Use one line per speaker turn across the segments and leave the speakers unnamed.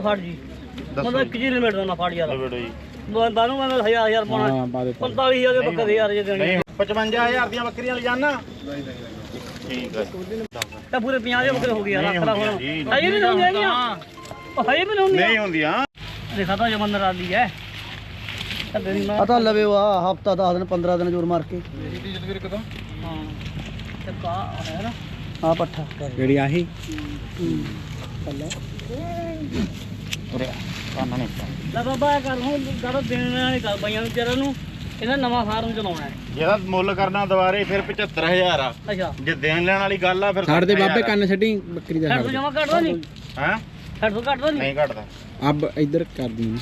ਫੜ ਜੀ ਮਤਲਬ 1 ਜੀ ਲਿਮਿਟ ਦਾ ਨਾ ਫੜ ਯਾਰ ਬਾਨੂੰ ਮੈਂ 1000 ਪਾਉਣਾ 45000 ਦੇ ਬੱਕਰੇ ਯਾਰ ਜੇ ਦੇਣੇ
55000 ਦੀਆਂ ਬੱਕਰੀਆਂ ਲੈ ਜਾਣਾ ਠੀਕ ਹੈ
ਤਾਂ ਪੂਰੇ 50 ਦੇ ਬੱਕਰੇ ਹੋ ਗਏ ਯਾਰ ਆਖੜਾ ਹੁਣ ਹਜੇ ਵੀ ਨਹੀਂ ਹੁੰਦੀਆਂ ਉਹ ਹਜੇ ਵੀ ਨਹੀਂ
ਹੁੰਦੀਆਂ
ਦੇਖਾ ਤਾਂ ਜਮੰਦਰ ਆਲੀ ਹੈ
ਪਤਾ ਲਵੇ ਵਾ ਹਫਤਾ 10 ਦਿਨ 15 ਦਿਨ ਜੋਰ ਮਾਰ ਕੇ
ਹਾਂ ਤੇ ਕਾ ਹੈ ਨਾ
ਆ ਪੱਠਾ
ਜਿਹੜੀ ਆਹੀ
ਉਰੇ ਕੰਨ ਨਹੀਂ
ਲੈ ਬਾਬਾ ਕਰ ਹੁਣ ਗੜ ਦੇਣ ਵਾਲੇ ਕਰ ਬਾਈਆਂ ਨੂੰ ਵਿਚਾਰਾਂ ਨੂੰ ਇਹਨਾਂ ਨਵਾਂ ਫਾਰਮ ਚਲਾਉਣਾ ਹੈ
ਜਿਹਦਾ ਮੁੱਲ ਕਰਨਾ ਦੁਬਾਰੇ ਫਿਰ 75000 ਆ
ਅੱਛਾ
ਜੇ ਦੇਣ ਲੈਣ ਵਾਲੀ ਗੱਲ ਆ ਫਿਰ
ਛੱਡ ਦੇ ਬਾਬੇ ਕੰਨ ਛੱਡੀ ਬੱਕਰੀ ਦਾ
ਛੱਡ ਤੋਂ ਜਮਾ ਕੱਢਦਾ ਨਹੀਂ
ਹੈ
ਛੱਡ ਤੋਂ ਕੱਢਦਾ ਨਹੀਂ
ਨਹੀਂ ਘਟਦਾ
ਅਬ ਇੱਧਰ ਕਰ ਦੀ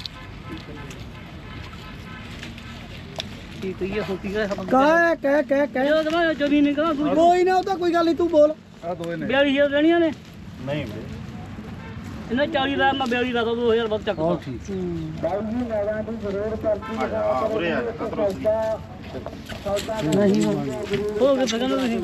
ਕੀ ਕਹੀਏ ਹੋਤੀ ਹੈ
ਕਹਿ
ਇਹ ਤਾਂ ਜਮੀਨ ਨਹੀਂ ਕਹਾਂ
ਕੋਈ ਨਾ ਉਹ ਤਾਂ ਕੋਈ ਗੱਲ ਨਹੀਂ ਤੂੰ ਬੋਲ
ਆ ਦੋਏ
42000 ਦੇਣੀਆਂ ਨੇ
ਨਹੀਂ
ਇਹਨਾਂ 40 ਦਾ ਮੈਂ 42 ਦਾ 2000 ਵੱਧ ਚੱਕ ਦੋ
ਉਰੇ ਆ
ਨਹੀਂ
ਹੋ ਗਏ ਸਗਨ ਤੁਸੀਂ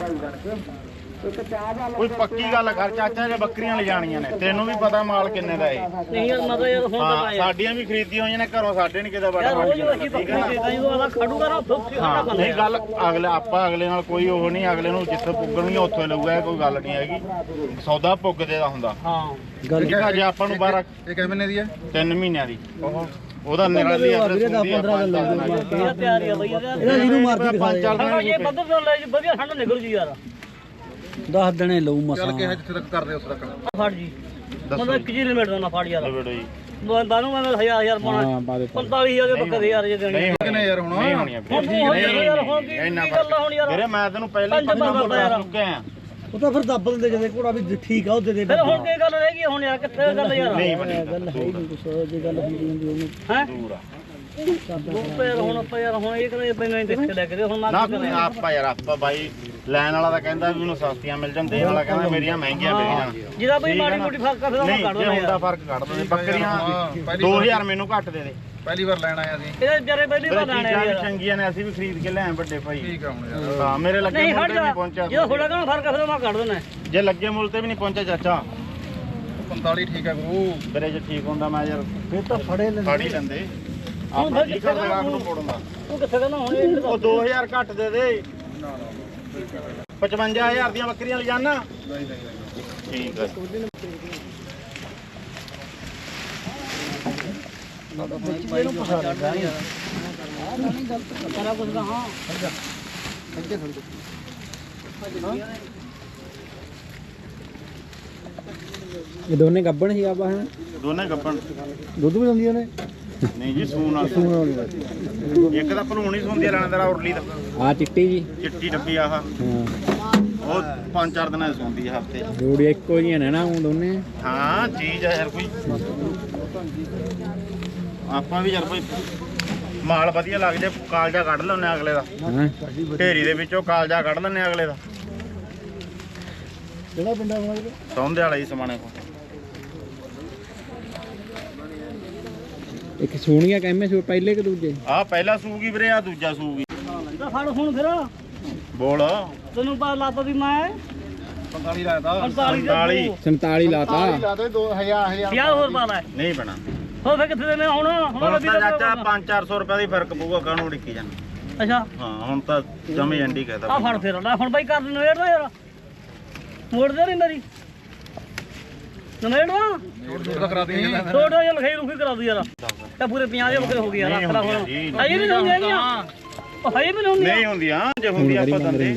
ਕੋਈ ਪੱਕੀ ਗੱਲ ਕਰ ਚਾਚਾ ਜੇ ਬੱਕਰੀਆਂ ਲੈ ਜਾਣੀਆਂ ਨੇ ਤੈਨੂੰ ਵੀ ਪਤਾ ਮਾਲ ਕਿੰਨੇ ਦਾ ਏ
ਨਹੀਂ ਯਾਰ ਮੈਂ ਤਾਂ ਯਾਰ ਹੁਣ ਤਾਂ
ਹਾਂ
ਪਾਇਆ
ਸਾਡੀਆਂ ਵੀ ਖਰੀਦੀਆਂ ਹੋਈਆਂ ਨੇ ਘਰੋਂ ਸਾਡੇ ਨਹੀਂ ਕਿਤੇ ਬੜਾ
ਯਾਰ ਰੋਜ਼ ਅਸੀਂ ਬੱਕਰੀ ਦੇਦਾ ਜਦੋਂ ਆਦਾ ਖੜੂਗਾ ਨਾ ਉੱਥੇ
ਹਾਂ ਨਹੀਂ ਗੱਲ ਅਗਲੇ ਆਪਾਂ ਅਗਲੇ ਨਾਲ ਕੋਈ ਉਹ ਨਹੀਂ ਅਗਲੇ ਨੂੰ ਜਿੱਥੇ ਪੁੱਗਣਗੇ ਉੱਥੇ ਲਊਗਾ ਕੋਈ ਗੱਲ ਨਹੀਂ ਹੈਗੀ ਸੌਦਾ ਪੁੱਗਦੇ ਦਾ ਹੁੰਦਾ
ਹਾਂ
ਗੱਲ
ਠੀਕ ਆ ਜੇ ਆਪਾਂ ਨੂੰ 12
ਇਹ ਕਿੰਨੇ ਮਹੀਨੇ ਦੀ ਹੈ
3 ਮਹੀਨਿਆਂ ਦੀ ਉਹਦਾ ਨਿਰਾਲੀ
ਵੀਰੇ 10-15 ਦਿਨ ਲੱਗਦੇ
ਇਹ ਤਿਆਰੀ ਆ ਬਈ ਯਾਰ
ਇਹਨਾਂ ਜਿਹਨੂੰ ਮਰਦੀ ਦਿਖਾ ਦੇ
ਸਾਡਾ ਇਹ ਬੱਦਰ ਤੋਂ ਲੈ ਜੀ ਵਧੀਆ ਠੰਡ ਨਿਕਲ ਜੀ ਯਾਰ
10 ਦਿਨੇ ਲਊ ਮਸਾਂ
ਚੱਲ ਕਿਹਾ ਜਿੱਥੇ ਤੱਕ ਕਰਦੇ ਉਸ ਤੱਕ
ਫੜ ਜੀ ਮਤਲਬ 1 ਜੀ ਲਿਮਿਟ ਦਾ ਨਾ ਫੜ ਯਾਰ
ਬੇਟੋ ਜੀ
ਬਾਨੂੰ ਮੈਂ 1000 ਪਾਉਣਾ 45000 ਦੇ ਬੱਕਰੇ ਯਾਰ ਜੇ ਦੇਣੇ
ਕਿੰਨੇ ਯਾਰ ਹੁਣ
ਨਹੀਂ ਹੋਣੀਆਂ
ਹੁਣ ਤੂੰ ਹੋ ਯਾਰ ਹੁਣ ਕੀ ਗੱਲ ਹੁਣ ਯਾਰ
ਵੀਰੇ ਮੈਂ ਤੈਨੂੰ ਪਹਿਲਾਂ ਹੀ ਪਤਾ ਚੁੱਕਿਆ ਆ
ਉਹ ਤਾਂ ਫਿਰ ਦੱਬ ਦਿੰਦੇ ਜਦੋਂ ਘੋੜਾ ਵੀ ਠੀਕ ਆ ਉਹਦੇ ਦੇ
ਫਿਰ ਹੁਣ ਕੀ ਗੱਲ ਰਹਿ ਗਈ ਹੁਣ ਯਾਰ ਕਿੱਥੇ ਗੱਲ ਯਾਰ
ਨਹੀਂ ਬਣੀ
ਗੱਲ ਹੈ ਹੀ ਨਹੀਂ ਕੁਛ ਜੇ ਗੱਲ ਹੁੰਦੀ ਹੁੰਦੀ ਉਹਨੂੰ
ਹੈ
ਦੂਰ ਆ
ਯਾਰ ਹੁਣ ਆਪਾਂ ਯਾਰ ਹੁਣ ਇਹ ਕਹਿੰਦੇ ਪੈਣਾ ਹੀ ਦੇਖ ਕੇ ਲੈ ਕੇ ਹੁਣ ਮੈਂ
ਨਾ ਆਪਾਂ ਯਾਰ ਆਪਾਂ ਬਾਈ ਲੈਣ ਵਾਲਾ ਤਾਂ ਕਹਿੰਦਾ ਵੀ ਉਹਨੂੰ ਸਸਤੀਆਂ ਮਿਲ ਜਾਣ ਦੇਣ ਵਾਲਾ ਕਹਿੰਦਾ ਮੇਰੀਆਂ ਮਹਿੰਗੀਆਂ ਵਿਕ ਜਾਣ
ਜਿਹਦਾ ਬਈ ਮਾੜੀ ਮੋਟੀ ਫਰਕ ਕਰ ਫਿਰ ਮੈਂ
ਨਹੀਂ
ਕੱਢ
ਜੇ
ਦਿੰਦਾ
ਹੁੰਦਾ
ਯਾਰ
ਫਰਕ ਕੱਢ ਦੋ ਬੱਕਰੀਆਂ 2000 ਮੈਨੂੰ ਘੱਟ ਦੇ ਦੇ
ਪਹਿਲੀ ਵਾਰ ਲੈਣ ਆਇਆ ਸੀ
ਇਹਦੇ ਵਿਚਾਰੇ ਪਹਿਲੀ ਵਾਰ ਆਣੇ
ਚੀਜ਼ਾਂ ਵੀ
ਯਾਰ
ਚੰਗੀਆਂ ਨੇ ਅਸੀਂ ਵੀ ਖਰੀਦ ਕੇ ਲਿਆਏ ਵੱਡੇ ਭਾਈ
ਠੀਕ ਆ ਹੁਣ ਯਾਰ
ਹਾਂ ਮੇਰੇ ਲੱਗੇ
ਨਹੀਂ
ਮੁੱਲ
ਹਟ
ਤੇ
ਜਾ
ਨਹੀਂ ਪਹੁੰਚਿਆ
ਜਿਹਦਾ ਥੋੜਾ ਕਣਾ ਫਰਕ ਫਿਰ ਮੈਂ ਕੱਢ ਦਿੰਦਾ
ਜੇ ਲੱਗੇ ਮੁੱਲ ਤੇ ਵੀ ਨਹੀਂ ਪਹੁੰਚਿਆ ਚਾਚਾ
45 ਠੀਕ ਹੈ ਗੁਰੂ
ਮੇਰੇ ਜੇ ਠੀਕ ਹੁੰਦਾ ਮੈਂ ਯਾਰ
ਫਿਰ ਤਾਂ ਫੜੇ ਲੈ
ਫੜ ਹੀ ਲੈਂਦੇ ਆਪਾਂ ਕੀ ਕਰਦੇ ਗਾਹਕ ਨੂੰ ਮੋੜਨ ਦਾ
ਤੂੰ ਕਿੱਥੇ ਕਹਿੰਦਾ ਹੁਣ ਇਹ
ਉਹ 2000 ਘੱਟ ਦੇ ਦੇ 55000 ਦੀਆਂ ਬੱਕਰੀਆਂ ਲੈ ਜਾਣਾ ਠੀਕ ਹੈ
ਇਹਨੂੰ ਪਛਾਣ ਲਿਆ ਯਾਰ ਨਹੀਂ ਗਲਤ ਸਾਰਾ ਕੁਝ ਦਾ ਹਾਂ
ਇਹ ਦੋਨੇ ਗੱਬਣ ਸੀ ਆਪਾਂ ਹਨ
ਦੋਨੇ ਗੱਪਣ
ਦੁੱਧ ਵੀ ਦਿੰਦੀਆਂ ਨੇ
ਨਹੀਂ ਜੀ ਸੂਣ ਵਾਲੀ ਇੱਕ ਤਾਂ ਭਲੂਣ ਹੀ ਸੁੰਦੀ ਲੈਣਾ ਉਰਲੀ ਦਾ
ਆ ਚਿੱਟੀ ਜੀ
ਚਿੱਟੀ ਡੱਬੀ ਆਹ
ਹਾਂ
ਉਹ 5-4 ਦਿਨਾਂ ਦੀ ਸੁੰਦੀ ਆ ਹਫਤੇ
ਜੋੜੀ ਇੱਕੋ ਜਿਹੀਆਂ ਨੇ ਨਾ ਉਹ ਦੋਨੇ
ਹਾਂ ਚੀਜ਼ ਹੈ ਯਾਰ ਕੋਈ ਆਪਾਂ ਵੀ ਯਾਰ ਕੋਈ ਮਾਲ ਵਧੀਆ ਲੱਗ ਜੇ ਕਾਲਜਾ ਕੱਢ ਲੈਣੇ ਅਗਲੇ ਦਾ
ਹਾਂ
ਢੇਰੀ ਦੇ ਵਿੱਚੋਂ ਕਾਲਜਾ ਕੱਢ ਲੈਣੇ ਅਗਲੇ ਦਾ
ਜਿਹੜਾ ਪਿੰਡਾਂ ਵਾਲਾ
ਸੌਂਦੇ ਵਾਲਾ ਹੀ ਸਮਾਣੇ ਕੋ
ਇੱਕ ਸੋਹਣੀਆਂ ਕਹਿੰਦੇ ਸੂ ਪਹਿਲੇ ਕਿ ਦੂਜੇ
ਆਹ ਪਹਿਲਾ ਸੂਗੀ ਵੀਰੇ ਆ ਦੂਜਾ ਸੂਗੀ
ਤਾਂ ਫੜ ਹੁਣ ਫਿਰ
ਬੋਲ
ਤੈਨੂੰ ਪਤਾ ਲੱਤ ਦੀ ਮੈਂ
45 ਲਾਇਆ
45
47 ਲਾਤਾ
ਲਾਤੇ 2000
ਯਾਰ ਹੋਰ ਪਾ ਲੈ
ਨਹੀਂ ਬਣਾ
ਹੋ ਫੇ ਕਿੱਥੇ ਦੇਣੇ ਹੁਣ
ਹੁਣ ਤਾਂ ਚਾਚਾ 5-400 ਰੁਪਏ ਦੀ ਫਰਕ ਪਊਗਾ ਕਾਹਨੂੰ ਡਿੱਕੀ ਜਾਣਾ
ਅੱਛਾ
ਹਾਂ ਹੁਣ ਤਾਂ ਜਮੇ ਐਂਡੀ
ਆ
ਕਹਦਾ
ਫੜ ਫਿਰ ਲੈ ਹੁਣ ਬਾਈ ਕਰ ਨਵੇੜ ਦਾ ਯਾਰ ਮੋੜਦੇ ਨਹੀਂ ਮੇਰੀ ਨਵੇੜ ਦਾ
ਛੋਟ ਕਰਾ ਦੇ
ਛੋਟਾ ਜਿਹਾ ਲਖਾਈ ਰੁਖੀ ਕਰਾ ਦੂ ਯਾਰ ਤਾਂ ਪੂਰੇ 50 ਦੇ ਬੱਕਰੇ ਹੋ ਗਏ ਯਾਰ ਆਖੜਾ ਹੁਣ ਹਜੇ ਵੀ ਨਹੀਂ ਹੈਗੀਆਂ ਉਹ ਹਜੇ ਵੀ ਨਹੀਂ
ਨਹੀਂ ਹੁੰਦੀਆਂ ਜੇ ਹੁੰਦੀ ਆਪਾਂ ਦੰਦੇ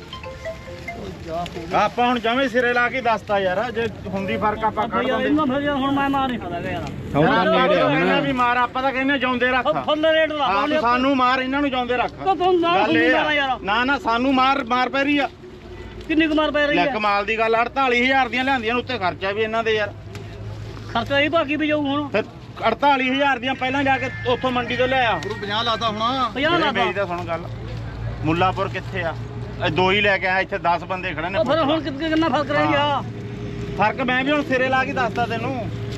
ਆਪਾਂ ਹੁਣ ਜਮੇ ਸਿਰੇ ਲਾ ਕੇ ਦੱਸਤਾ ਯਾਰ ਜੇ ਹੁੰਦੀ ਫਰਕ ਆਪਾਂ ਕੱਢ
ਯਾਰ
ਦਿੰਦੇ
ਇਹਨਾਂ ਫਿਰ ਯਾਰ ਹੁਣ ਮੈਂ ਮਾਰ ਨਹੀਂ ਸਕਦਾ ਯਾਰ
ਸੌਦਾ ਨੇੜੇ
ਕਹਿੰਦੇ ਵੀ ਮਾਰ ਆਪਾਂ ਤਾਂ ਕਹਿੰਦੇ ਜਾਉਂਦੇ ਰੱਖ
ਫੁੱਲ ਰੇਟ ਲਾ
ਆਪ ਸਾਨੂੰ ਮਾਰ ਇਹਨਾਂ ਨੂੰ ਜਾਉਂਦੇ ਰੱਖ
ਤੂੰ ਨਾ
ਗੱਲ ਇਹ
ਮਾਰਾ ਯਾਰ
ਆ, ਨਾ ਸਾਨੂੰ ਮਾਰ ਪੈ ਰਹੀ ਆ
ਕਿੰਨੀ ਕੁ ਪੈ ਰਹੀ
ਲੈ
ਹੈ
ਕਮਾਲ ਦੀ ਗੱਲ 48000 ਦੀਆਂ ਲਿਆਂਦੀਆਂ ਨੇ ਉੱਤੇ ਖਰਚਾ ਵੀ ਇਹਨਾਂ ਦੇ ਯਾਰ
ਖਰਚਾ ਇਹ ਬਾਕੀ ਵੀ ਜਾਊ ਹੁਣ
ਫਿਰ 48000 ਦੀਆਂ ਪਹਿਲਾਂ ਜਾ ਕੇ ਉੱਥੋਂ ਮੰਡੀ ਤੋਂ ਲਿਆ
ਗੁਰੂ 50 ਲਾਤਾ ਹੁਣ
50
ਮੇਰੀ
ਲਾਤਾ
ਤਾਂ ਸੁਣ ਗੱਲ ਮੁੱਲਾਪੁਰ ਕਿੱਥੇ ਆ ਇਹ ਦੋ ਹੀ ਲੈ ਕੇ ਆਇਆ ਇੱਥੇ 10 ਬੰਦੇ ਖੜੇ ਨੇ
ਉਹ ਫਿਰ ਹੁਣ ਕਿੰਨਾ ਫਰਕ ਰਹਿ ਗਿਆ
ਫਰਕ ਮੈਂ ਵੀ ਹੁਣ ਸਿਰੇ ਲਾ ਕੇ ਦੱਸਦਾ ਤੈਨੂੰ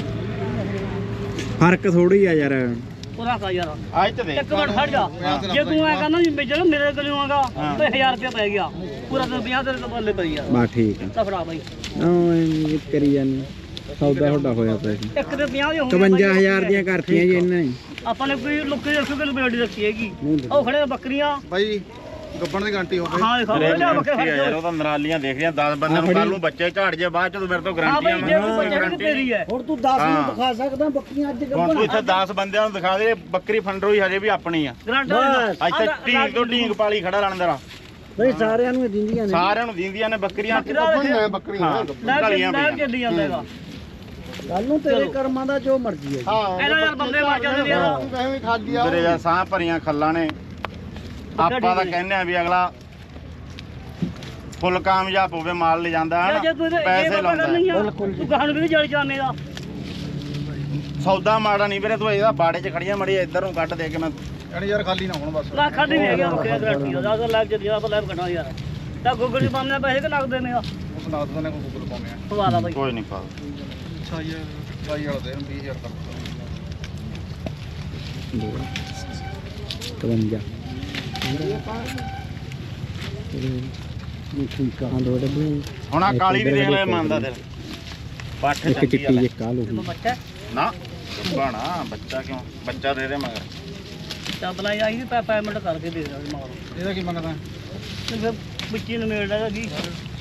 ਫਰਕ ਥੋੜੀ ਆ ਯਾਰ
ਪੂਰਾ ਕਾ ਯਾਰ
ਅੱਜ ਤੇ
ਇੱਕ ਮਿੰਟ ਖੜ ਜਾ ਜੇ ਤੂੰ ਐ ਕਹਿੰਦਾ ਵੀ ਜਿਹੜਾ ਮੇਰੇ ਕੋਲੋਂ ਆਗਾ ਤੇ 1000 ਰੁਪਏ ਪੈ ਗਿਆ ਪੂਰਾ ਤਾਂ 50 ਦੇ ਬੱਲੇ ਪਈ ਯਾਰ
ਬਾ ਠੀਕ ਆ
ਤਾਂ ਫੜਾ ਬਾਈ
ਉਹ ਕਰੀ ਜਾਨੀ ਸੌਦਾ ਤੁਹਾਡਾ ਹੋਇਆ ਪਿਆ ਸੀ
ਇੱਕ ਦੇ 50 ਦੀ ਹੋ ਗਈ
51000 ਦੀਆਂ ਕਰਤੀਆਂ ਜੀ ਇਹਨਾਂ ਨੇ
ਆਪਾਂ ਨੇ ਕੋਈ ਲੁੱਕੀ 100 ਕਿਲੋ ਬੇੜੀ ਰੱਖੀ ਹੈਗੀ ਉਹ ਖੜੇ ਬੱਕਰੀਆਂ
ਬਾਈ ਗੱਬਣ ਦੀ ਗਾਰੰਟੀ ਹੋਵੇ
ਹਾਂ ਦੇਖੋ ਲਿਆ ਬੱਕਰੇ
ਯਾਰ ਉਹ ਤਾਂ ਨਰਾਲੀਆਂ ਦੇਖ ਰਿਆ 10 ਬੰਦਿਆਂ ਨੂੰ ਕੱਲ ਨੂੰ ਬੱਚੇ ਝਾੜ ਜੇ ਬਾਅਦ ਚ ਤੂੰ ਮੇਰੇ ਤੋਂ
ਹਾਂ
ਗਾਰੰਟੀ
ਬਈ ਜੇ ਕੋਈ ਬੱਚੇ ਦੀ ਤੇਰੀ ਹੈ
ਹੁਣ ਤੂੰ 10 ਨੂੰ ਦਿਖਾ ਸਕਦਾ ਬੱਕਰੀਆਂ ਅੱਜ
ਹੁਣ ਤੂੰ ਇੱਥੇ 10 ਬੰਦਿਆਂ ਨੂੰ ਦਿਖਾ ਦੇ ਬੱਕਰੀ ਫੰਡਰੋਈ ਹਜੇ ਵੀ ਆਪਣੀ ਆ
ਗਰੰਟੀ
ਇੱਥੇ ਢੀਂਗ ਤੋਂ ਢੀਂਗ ਪਾਲੀ ਖੜਾ ਰਣਦਰਾ
ਨਹੀਂ ਸਾਰਿਆਂ ਨੂੰ ਦਿੰਦੀਆਂ ਨੇ
ਸਾਰਿਆਂ ਨੂੰ ਦਿੰਦੀਆਂ ਨੇ ਬੱਕਰੀਆਂ
ਬੱਕਰੀ
ਹਾਂ ਢਲੀਆਂ
ਲੈ
ਪਈਆਂ
ਚੱਲੀ ਜਾਂਦਾ ਹੈਗਾ
ਕੱਲ ਨੂੰ ਤੇਰੇ ਕਰਮਾਂ ਦਾ ਜੋ ਮਰਜ਼ੀ ਹੈ
ਹਾਂ
ਇਹਨਾਂ ਯਾਰ ਬੰਦੇ ਮਾਰ ਜਾਂਦੇ ਨੇ ਯਾਰ
ਵੈਸੇ ਵੀ ਖਾਦੀ ਆ
ਤੇਰੇ ਯਾਰ ਸਾਹ ਭਰੀਆਂ ਖੱਲਾਂ ਨੇ ਆਪਾਂ ਤਾਂ ਕਹਿੰਦੇ ਆ ਵੀ ਅਗਲਾ ਫੁੱਲ ਕਾਮਯਾਬ ਹੋਵੇ ਮਾਲ ਲੈ ਜਾਂਦਾ ਹੈ
ਜੇ ਤੂੰ
ਨਾ ਪੈਸੇ ਲਾਉਂਦਾ
ਨਹੀਂ ਆ ਤੂੰ ਕਹਾਣ ਵੀ ਜਲ ਜਾਣੇ ਦਾ
ਸੌਦਾ ਮਾੜਾ ਨਹੀਂ ਵੀਰੇ ਤੂੰ ਇਹਦਾ ਬਾੜੇ 'ਚ ਖੜੀਆਂ ਮੜੀ ਇੱਧਰ ਨੂੰ ਕੱਢ ਦੇ ਕੇ ਮੈਂ
ਯਾਨੀ ਯਾਰ ਖਾਲੀ ਨਾ ਹੋਣ ਬਸ
ਲੱਖ ਨਹੀਂ ਹੈਗਾ ਬੱਕਰੇ ਗਰੰਟੀ ਦਾ 10 ਲੱਖ ਜਿਆਦਾ ਆਪਾਂ ਲੈਬ ਕੱਢਾਂ ਯਾਰ ਤਾਂ ਗੂਗਲ 'ਚ ਪਾਉਂਦੇ ਪੈਸੇ ਕਿ ਲੱਗਦੇ ਨੇ ਆ
ਉਸ ਨਾਲ ਤਾਂ ਨੇ ਕੋਈ ਗੂਗਲ ਪਾਉਂਦੇ ਆ
ਸਵਾਦਾ ਬਾਈ
ਕੋਈ ਨਹੀਂ ਪਾ
ਅੱਛਾ ਯਾਰ ਬਾਈ ਵਾਲਾ ਦੇ 20000 ਕਰ
52
ਹੁਣ ਆ ਕਾਲੀ ਵੀ ਦੇਖ ਲੈ ਮੰਨਦਾ ਤੇਰਾ ਪੱਠ
ਇੱਕ
ਚੰਗੀ
ਚਿੱਟੀ
ਆ
ਇੱਕ ਕਾਲੂ
ਬੱਚਾ
ਨਾ ਬਾਣਾ ਬੱਚਾ ਕਿਉਂ ਬੱਚਾ ਦੇ ਦੇ ਮਗਰ
ਚੱਬਲਾ ਆਈ ਸੀ ਪੈਮੈਂਟ ਕਰਕੇ ਦੇ ਦੇ ਮਾਰੋ
ਇਹਦਾ ਕੀ ਮੰਗਦਾ
ਤੇ ਫਿਰ ਬੱਚੀ ਨੂੰ ਮੇੜ ਲੈਗਾ ਜੀ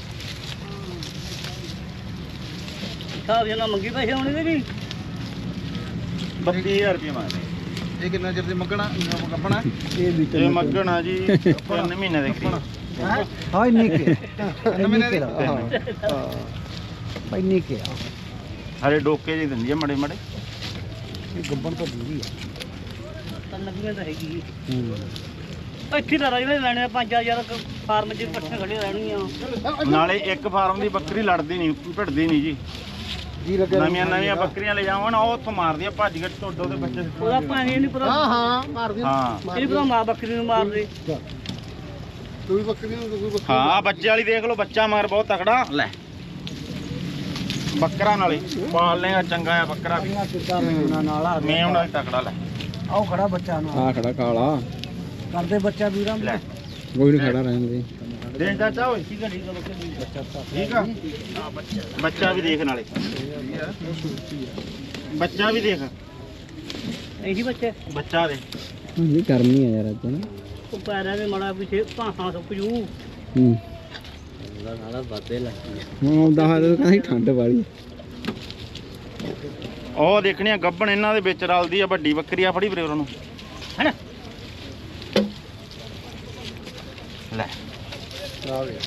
ਸਾਹਿਬ ਜਨਾ ਮੰਗੀ ਪੈਸੇ ਹੋਣੇ ਨੇ ਜੀ
32000 ਰੁਪਏ ਮੰਗਦੇ
ਇਹ ਕਿੰਨਾ ਚਿਰ ਦੀ ਮੰਗਣਾ ਗੱਬਣਾ
ਇਹ ਵੀ
ਇਹ ਮੱਗਣਾ ਜੀ 3 ਮਹੀਨੇ ਦੇ ਕਰੀਬ
ਹਾਂ ਇੰਨੀ ਕੇ
ਮਹੀਨੇ ਦੀ?
ਭਾਈ ਇੰਨੀ ਕੇ
ਹਰੇ ਡੋਕੇ ਜੀ ਦਿੰਦੀ ਆ ਮੜੇ ਮੜੇ
ਇਹ ਗੱਬਣ ਤਾਂ ਦੂਰੀ ਆ
ਤਾਂ ਲੱਗੀਆਂ ਤਾਂ ਹੈਗੀ ਇੱਥੇ ਤਾਂ ਰਾਜੇ ਲੈਣੇ 5000 ਫਾਰਮ 'ਚ ਇਕੱਠੇ ਖੜੇ ਰਹਿਣਗੀਆਂ
ਨਾਲੇ ਇੱਕ ਫਾਰਮ ਦੀ ਬੱਕਰੀ ਲੜਦੀ ਨਹੀਂ ਭਿੜਦੀ ਨਹੀਂ ਜੀ
ਜੀ ਲੱਗਿਆ
ਨਵੀਆਂ ਬੱਕਰੀਆਂ ਲੈ ਜਾਵਾਂ ਨਾ ਉਹ ਉੱਥੋਂ ਮਾਰਦੀਆਂ ਭੱਜ ਕੇ ਟੋਡੋ ਦੇ ਬੱਚੇ
ਉਹਦਾ ਭਾਵੇਂ ਇਹ ਨਹੀਂ ਪਤਾ
ਹਾਂ ਮਾਰਦੀ
ਹਾਂ
ਇਹ ਨਹੀਂ ਪਤਾ ਮਾਂ ਬੱਕਰੀ ਨੂੰ ਮਾਰਦੇ
ਤੂੰ ਵੀ ਬੱਕਰੀ ਨੂੰ ਤੂੰ ਵੀ ਬੱਕਰੀ
ਹਾਂ ਬੱਚੇ ਵਾਲੀ ਦੇਖ ਲਓ ਬੱਚਾ ਮਗਰ ਬਹੁਤ ਤਕੜਾ ਲੈ ਬੱਕਰਾ ਨਾਲੇ ਪਾਲ ਲੇਗਾ ਚੰਗਾ ਆ ਬੱਕਰਾ ਵੀ
ਕਿੱਦਾਂ ਮੇਉਣਾ ਨਾਲ ਆ
ਮੈਂ ਉਹਨਾਂ ਦੀ ਤਕੜਾ ਲੈ
ਆਓ ਖੜਾ ਬੱਚਾ ਨੂੰ
ਆ ਖੜਾ ਕਾਲਾ
ਕਰਦੇ ਬੱਚਾ ਵੀਰਾਂ
ਲੈ
ਕੋਈ ਨਹੀਂ ਖੜਾ ਰਹਿਣ ਦੇ
ਦੇਖ ਚਾਚਾ ਓਏ
ਠੀਕ ਹੈ ਬੱਕਰੀ
ਠੀਕ ਆ ਬੱਚਾ ਵੀ ਦੇਖ ਨਾਲੇ ਬੱਚਾ ਵੀ ਦੇਖ
ਇਹੀ ਬੱਚੇ
ਬੱਚਾ ਦੇ
ਨਹੀਂ ਕਰਨੀ ਆ ਯਾਰ ਅੱਜ ਨਾ
ਉਹ ਪੈਰਾਂ ਦੇ ਮੜਾ ਪਿੱਛੇ ਭਾਂਸਾਂ ਸੁੱਕ ਜੂ
ਹੂੰ
ਨਾਲਾ ਬਾਤੇ ਲੱਗੀ
ਹੁਣ ਆਉਂਦਾ ਹੋਇਆ ਤਾਂ ਕਹਿੰਦਾ ਠੰਡ ਵਾਲੀ
ਉਹ ਦੇਖਣੀ ਆ ਗੱਬਣ ਇਹਨਾਂ ਦੇ ਵਿੱਚ ਰਲਦੀ ਆ ਵੱਡੀ ਬੱਕਰੀ ਆ ਫੜੀ ਵੀਰੇ ਉਹਨਾਂ ਨੂੰ ਹੈਨਾ ਲੈ
ਆ ਗਿਆ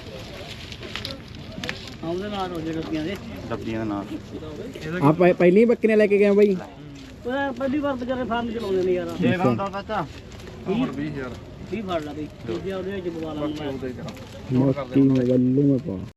ਆਉਂਦੇ ਨਾਲ ਰੋਜੇ ਰੁਪਈਆਂ ਦੇ
ਡੱਬੀਆਂ ਦੇ ਨਾਲ
ਆ ਪਹਿਲੀ ਬੱਕਰੀਆਂ ਲੈ ਕੇ ਗਏ ਬਾਈ
ਉਹ ਪਹਿਲੀ ਵਾਰ ਵਿਚਾਰੇ ਫਾਰਮ ਚਲਾਉਂਦੇ ਨੇ ਯਾਰ
ਦੇ ਦਿੰਦਾ ਚਾਚਾ
ਹੁਣ 20000
ਕੀ ਫੜ ਲਾ ਬਈ ਦੂਜੇ ਉਹਦੇ ਵਿੱਚ ਬਵਾਲਾ
ਉਹਦੇ ਕਰਾਂ
ਮੋਤੀ ਮਗਲੂ ਮੈਂ ਪਾ